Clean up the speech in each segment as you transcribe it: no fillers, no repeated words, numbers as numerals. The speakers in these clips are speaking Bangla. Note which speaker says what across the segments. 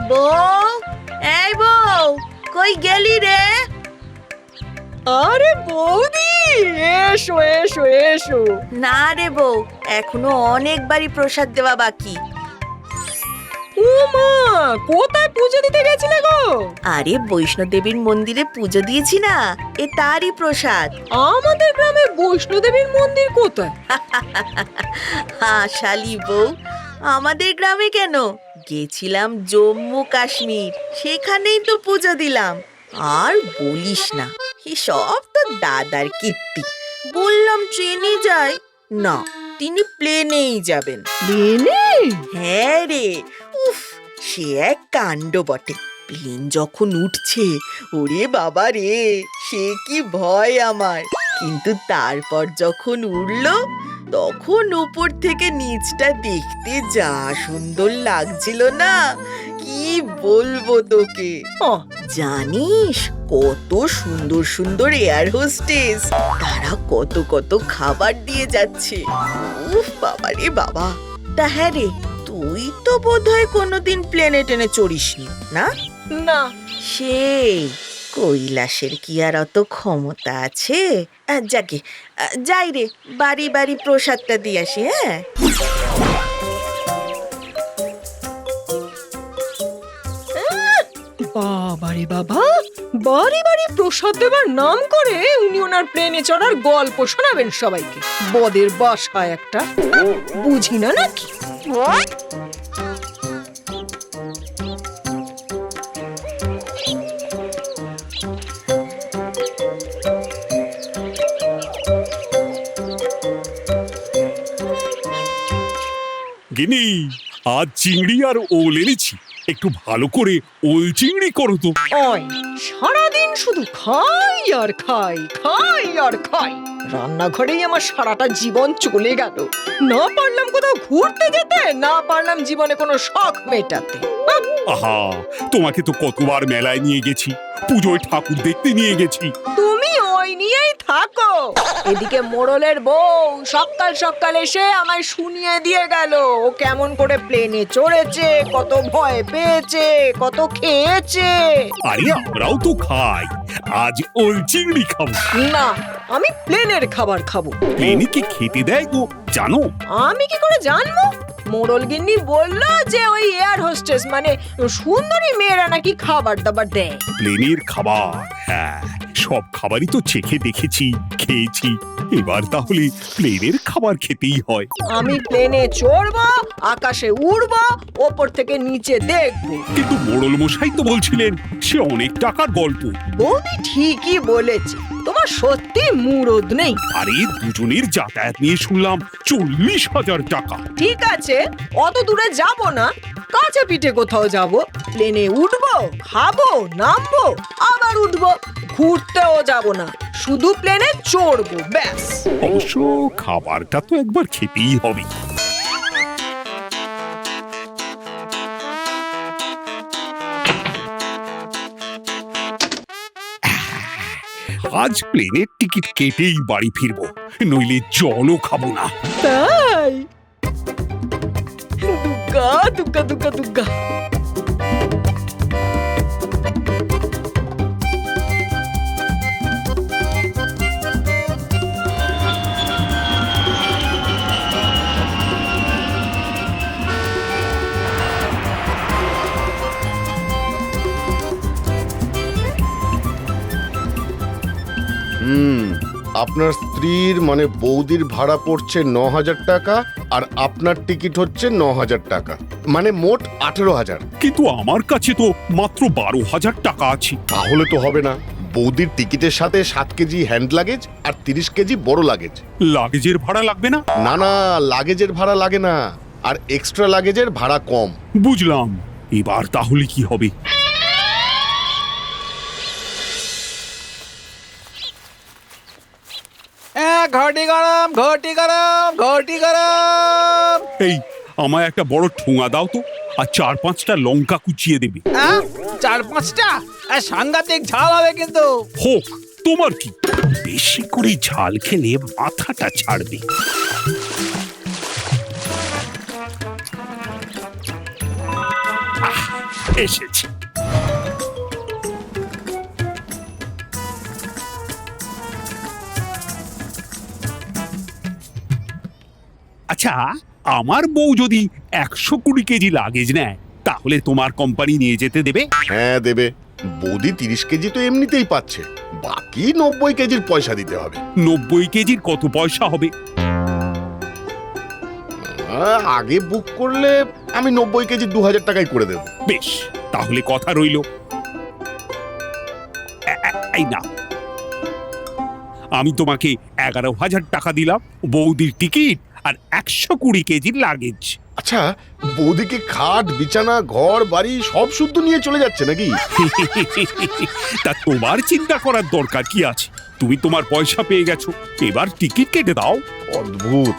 Speaker 1: বউ, এই বউ, কই গেলি রে?
Speaker 2: আরে বৌদি, এসো এসো এসো।
Speaker 1: না রে বউ, এখনো অনেক বাড়ি প্রসাদ দেওয়া বাকি।
Speaker 2: ও মা, কোথায় পুজো দিতে গেছিলে গো?
Speaker 1: আরে বৈষ্ণোদেবীর মন্দিরে পুজো দিয়েছি না, এ তারই প্রসাদ।
Speaker 2: আমাদের গ্রামে বৈষ্ণোদেবীর মন্দির কোথায়?
Speaker 1: হ্যাঁ শালি বউ, আমাদের গ্রামে কেন, গেছিলাম জম্মু কাশ্মীর, সেখানেই তো পুজো দিলাম। আর বলিস না, সব তো দাদার কীর্তি। বললাম ট্রেনে যাই, না তিনি প্লেনেই যাবেন।
Speaker 2: প্লেনে?
Speaker 1: হ্যাঁ রে, উফ, সে এক কাণ্ড বটে। প্লেন যখন উঠছে, ওরে বাবা রে, সে কি ভয় আমার। কিন্তু তারপর যখন উড়লো, তখন উপর থেকে নিচটা দেখতে যা সুন্দর লাগছিল না, কি বলবো তোকে। জানিস কত সুন্দর সুন্দর এয়ার হোস্টেস, তারা কত কত খাবার দিয়ে যাচ্ছে। উফ বাবা রে বাবা। তা হ্যাঁ রে, তুই তো বোধহয় কোনোদিন প্লেনে টেনে চড়িসনি না?
Speaker 2: না।
Speaker 1: সেই কৈলাসের কি আর অত ক্ষমতা আছে? যাকে যাই রে, বাড়ি বাড়ি প্রসাদটা দিয়ে আসি। হ্যাঁ,
Speaker 2: বাবারে বাবা, বাড়ি বাড়ি প্রসাদ দেবার নাম করে উনি ওনার প্লেনে চড়ার গল্প শোনাবেন সবাইকে। বদের বাসায় একটা, বুঝি না নাকি?
Speaker 3: গিনি, আজ চিংড়ি আর ওল এনেছি, একটু ভালো করে ওল চিংড়ি করো তো।
Speaker 2: ওই সারাদিন শুধু খাই আর খাই, খাই আর খাই। রান্নাঘরেই আমার সারাটা জীবন চলে গেল। না পারলাম কোথাও ঘুরতে যেতে, না পারলাম জীবনে কোনো শখ মেটাতে।
Speaker 3: আহা, তোমাকে তো কতবার মেলায় নিয়ে গেছি, পুজোয় ঠাকুর দেখতে নিয়ে গেছি।
Speaker 2: তুমি ওই নিয়েই থাকো। এদিকে মোড়লের বউ সকাল সকাল এসে আমায় শুনিয়ে দিয়ে গেল ও কেমন করে প্লেনে চড়েছে, কত ভয় পেয়েছে, কত খেয়েছে।
Speaker 3: আরে আমরাও তো খাই, আজ ওল চিংড়ি খাবো।
Speaker 2: না, আমি প্লেনের খাবার খাবো।
Speaker 3: প্লেনে কি খেতে দেয় গো, জানো?
Speaker 2: আমি কি করে জানবো? মোড়ল গিন্নি বললো যে ওই এয়ার হোস্টেস মানে সুন্দরী মেয়েরা নাকি খাবার দাবার দেয়।
Speaker 3: প্লেনের খাবার, হ্যাঁ, সব খাবারই তো চেখে দেখেছি, খেয়েছি। এবার তাহলে প্লেনের খাবার খেতেই হয়।
Speaker 2: আমি প্লেনে চড়বো, আকাশে উড়বো, ওপর থেকে নিচে দেখবো।
Speaker 3: কিন্তু মোড়ল মশাই তো বলছিলেন সে অনেক টাকার গল্প।
Speaker 2: বৌদি ঠিকই বলেছে, তোমার সত্যি মুরদ নেই।
Speaker 3: আরে দুজনের যাতায়াত নিয়ে শুনলাম 40,000 টাকা।
Speaker 2: ঠিক আছে, অত দূরে যাব না, কাছে পিঠে কোথাও যাব। প্লেনে উঠবো, খাবো, নামবো, আবার উঠবো। ঘুরতেও যাব না, শুধু প্লেনে চড়বো, ব্যাস।
Speaker 3: অবশ্য খাবারটা তো একবার খেতেই হবে। আজ প্লেনের টিকিট কেটেই বাড়ি ফিরবো, নইলে জলও খাবো না।
Speaker 2: তাই? দুগ্গা দুগ্গা দুগ্গা দুগ্গা।
Speaker 4: আপনার স্ত্রীর মানে বৌদির ভাড়া পড়ছে 9,000 টাকা, আর আপনার টিকিট হচ্ছে 9,000 টাকা, মানে মোট 18,000।
Speaker 3: কিন্তু আমার কাছে তো মাত্র 12,000 টাকা আছে।
Speaker 4: তাহলে তো হবে না। বৌদির টিকিটের সাথে 7 কেজি হ্যান্ড লাগেজ আর 30 কেজি বড় লাগেজ।
Speaker 3: লাগেজের ভাড়া লাগবে না?
Speaker 4: না না, লাগেজের ভাড়া লাগে না, আর এক্সট্রা লাগেজের ভাড়া কম।
Speaker 3: বুঝলাম, এবার তাহলে কি হবে?
Speaker 5: ঘটি গরম, ঘটি গরম, ঘটি গরম।
Speaker 3: এই, আমায় একটা বড় ঠোঙা দাও তো, আর 4-5টা লঙ্কা কুচিয়ে দেবে।
Speaker 5: 4-5টা? সাংঘাতিক ঝাল হবে কিন্তু।
Speaker 3: হোক, তোমার কি, বেশি করে ঝাল খেলে মাথাটা ছাড়বে। এসেছি। আচ্ছা, আমার বউ যদি 120 কেজি লাগেজ নেয় তাহলে তোমার কোম্পানি নিয়ে যেতে দেবে?
Speaker 4: হ্যাঁ দেবে। বৌদি 30 কেজি তো এমনিতেই পাচ্ছে, বাকি 90 কেজির পয়সা দিতে হবে।
Speaker 3: 90 কেজির কত পয়সা হবে?
Speaker 4: আগে বুক করলে আমি 90 কেজি 2000 টাকায় করে দেবো।
Speaker 3: বেশ, তাহলে কথা রইল। এই না, আমি তোমাকে 11,000 টাকা দিলাম, বৌদির টিকিট আর 120 কেজির লাগেজ।
Speaker 4: আচ্ছা, বৌদিকে খাট বিছানা ঘর বাড়ি সব শুদ্ধ নিয়ে চলে যাচ্ছে নাকি?
Speaker 3: তা তোমার চিন্তা করার দরকার কি আছে? তুমি তোমার পয়সা পেয়ে গেছো, এবার টিকিট কেটে দাও।
Speaker 4: অদ্ভুত।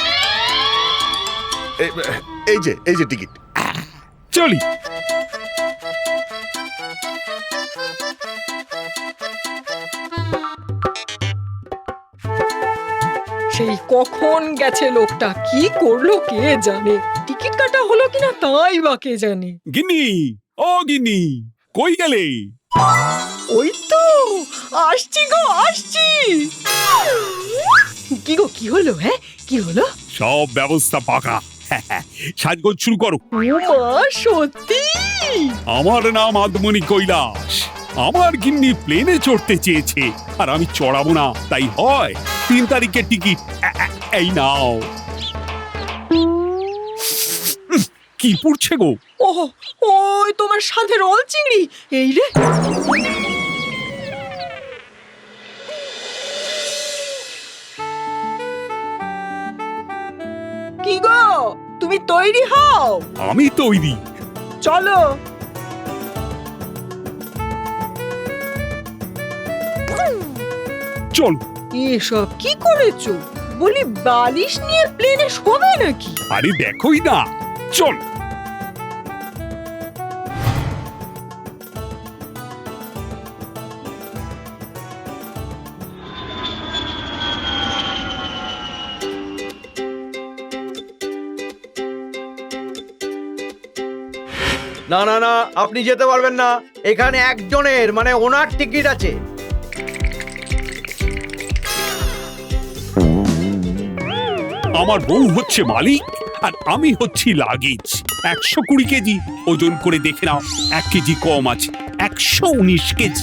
Speaker 4: এই যে টিকিট।
Speaker 3: চলি।
Speaker 2: সেই কখন গেছে লোকটা, কি করলো কে জানে। টিকিট কাটা হলো কিনা তাই বা কে জানে।
Speaker 3: গিন্নি, ও গিন্নি, কই গেলে?
Speaker 2: ওই তো আসছি গো, আসছি। কি গো, কি হলো? হ্যাঁ, কি হলো?
Speaker 3: সব ব্যবস্থা পাকা। সাজগোজ শুরু করো।
Speaker 2: ও মা, সত্যি?
Speaker 3: আমার নাম আদমনি কৈলাস। আমার গিন্নি প্লেনে চড়তে চেয়েছে আর আমি চড়াবো না, তাই হয় 3 তারিখের টিকিট। এই নাও। কি পড়ছে গো?
Speaker 2: ও, ওই তোমার সাথে রোল চিংড়ি। এই রে, কি গো, তুমি তৈরি হও?
Speaker 3: আমি তৈরি।
Speaker 2: চলো।
Speaker 3: চল।
Speaker 2: এসব কি করেছো? বলি, বালিশ নিয়ে প্লেনে শোবে নাকি?
Speaker 3: আরে দেখোই না, চল।
Speaker 5: না না না, আপনি যেতে পারবেন না। এখানে একজনের মানে ওনার টিকিট আছে।
Speaker 3: আমার বউ হচ্ছে মালিক আর আমি হচ্ছি লাগেজ। 120 কেজি ওজন করে দেখে নাও, 1 কেজি কম আছে, 119 কেজি।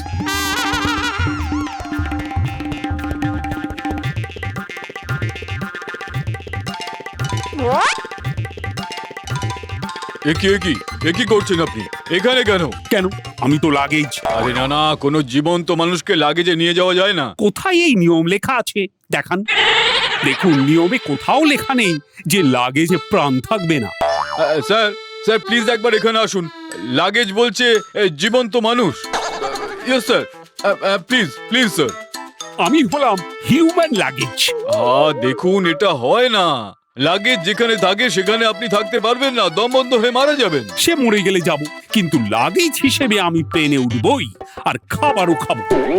Speaker 6: একই করছেন আপনি এখানে কেন?
Speaker 3: কেন? আমি তো লাগেজ।
Speaker 6: আরে না না, কোনো জীবন্ত মানুষকে লাগেজে নিয়ে যাওয়া যায় না।
Speaker 3: কোথায় এই নিয়ম লেখা আছে দেখান। দেখুন, নিয়মে কোথাও লেখা নেই যে লাগেজে প্রাণ থাকবে না।
Speaker 6: স্যার স্যার প্লিজ একবার এখানে আসুন। লাগেজ বলছে জীবন্ত মানুষ। Yes sir, please please sir.
Speaker 3: আমি হলাম হিউম্যান লাগেজ।
Speaker 6: দেখুন, এটা হয় না। লাগেজ যেখানে থাকে সেখানে আপনি থাকতে পারবেন না, দম বন্ধ হয়ে মারা যাবেন।
Speaker 3: সে মরে গেলে যাব, কিন্তু লাগেজ হিসেবে আমি প্লেনে উঠবই আর খাবারও খাবো।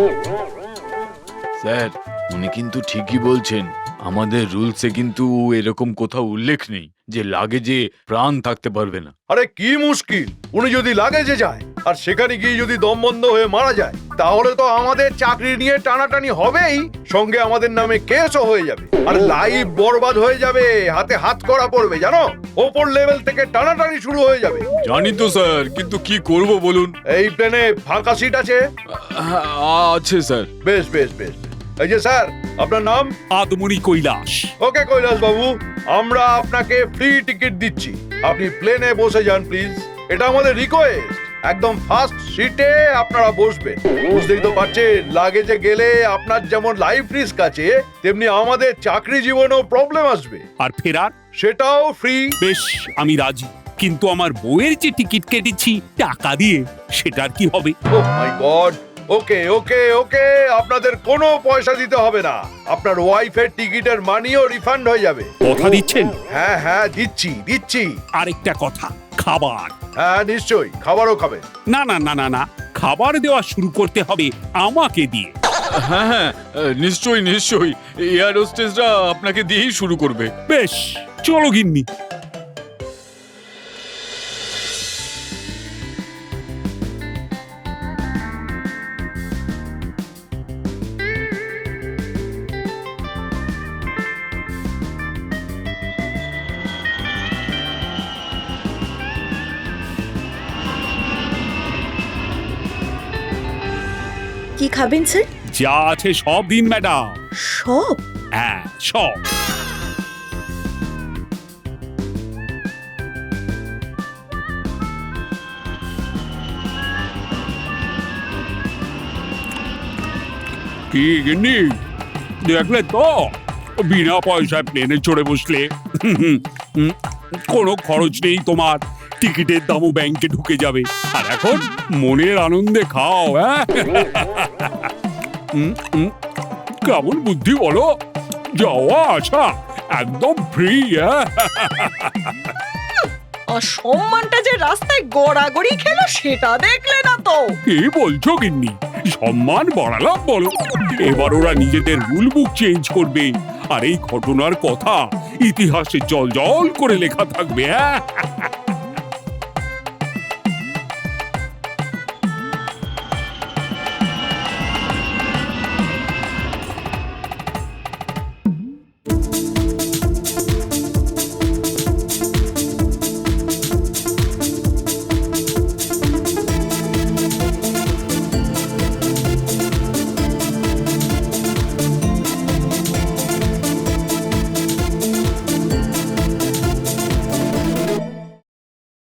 Speaker 6: স্যার, উনি কিন্তু ঠিকই বলছেন। আমাদের রুলসে কিন্তু এরকম কোথাও উল্লেখ নেই যে লাগেজে প্রাণ থাকতে পারবে না।
Speaker 7: আরে কি মুশকিল, উনি যদি লাগেজে যায় আর সেখানে গিয়ে যদি দম বন্ধ হয়ে মারা যায়, তাহলে তো আমাদের চাকরি নিয়ে টানাটানি হবেই, সঙ্গে আমাদের নামে কেসও হয়ে যাবে, আর লাইফ বরবাদ হয়ে যাবে, হাতে হাত করা পড়বে, জানো, ওপর লেভেল থেকে টানাটানি শুরু হয়ে যাবে।
Speaker 6: জানি তো স্যার, কিন্তু কি করব বলুন।
Speaker 7: এই প্লেনে ফাঁকা সিট আছে?
Speaker 6: আছে স্যার।
Speaker 7: বেশ বেশ বেশ। এই যে স্যার, আপনার নাম?
Speaker 3: আদমনি কৈলাস।
Speaker 7: ওকে কৈলাস বাবু, আমরা আপনাকে ফ্রি টিকিট দিচ্ছি, আপনি প্লেনে বসে যান প্লিজ। এটা আমাদের রিকোয়েস্ট। একদম ফার্স্ট সিটে আপনারা বসবেন। বুঝতেই তো পারছেন, লাগেজে গেলে আপনার যেমন লাইফ রিস্ক আছে, তেমনি আমাদের চাকরি জীবনেও প্রবলেম আসবে।
Speaker 3: আর ফেরার?
Speaker 7: সেটাও ফ্রি।
Speaker 3: বেশ, আমি রাজি, কিন্তু আমার বউয়ের যে টিকিট কেটেছি টাকা দিয়ে, সেটার কি হবে?
Speaker 7: ও মাই গড। ওকে ওকে ওকে, আপনাদের কোনো পয়সা দিতে হবে না, আপনার ওয়াইফের টিকিটের মানিও রিফান্ড হয়ে যাবে।
Speaker 3: কথা দিচ্ছেন?
Speaker 7: হ্যাঁ হ্যাঁ, দিচ্ছি দিচ্ছি।
Speaker 3: আরেকটা কথা, খাবার।
Speaker 7: হ্যাঁ নিশ্চয়ই, খাবারও খাবেন।
Speaker 3: না না না না না, খাবার দেওয়া শুরু করতে হবে আমাকে দিয়ে।
Speaker 6: হ্যাঁ হ্যাঁ, নিশ্চয়ই নিশ্চয়ই, এয়ার হোস্টেসরা আপনাকে দিয়েই শুরু করবে।
Speaker 3: বেশ, চলো গিন্নি।
Speaker 1: কি খাবেন স্যার?
Speaker 3: যা আছে সব দিন ম্যাডাম।
Speaker 1: সব?
Speaker 3: হ্যাঁ, সব। কি গিন্নি, দেখলে তো বিনা পয়সায় প্লেনে চড়ে বসলে কোনো খরচ নেই তোমার, টিকিটের দামও ব্যাংকে ঢুকে যাবে, আর এখন মনের আনন্দে খাও। হ্যাঁ, কেমন বুদ্ধি বলো, যাওয়া আসা একদম ফ্রি।
Speaker 2: আর সম্মানটা যে রাস্তায় গড়াগড়ি খেলো সেটা দেখলে না তো?
Speaker 3: কি বলছো গিন্নি, সম্মান বাড়ালাম বলো? এবার ওরা নিজেদের রুল বুক চেঞ্জ করবে, আর এই ঘটনার কথা ইতিহাসে জল জল করে লেখা থাকবে। হ্যাঁ,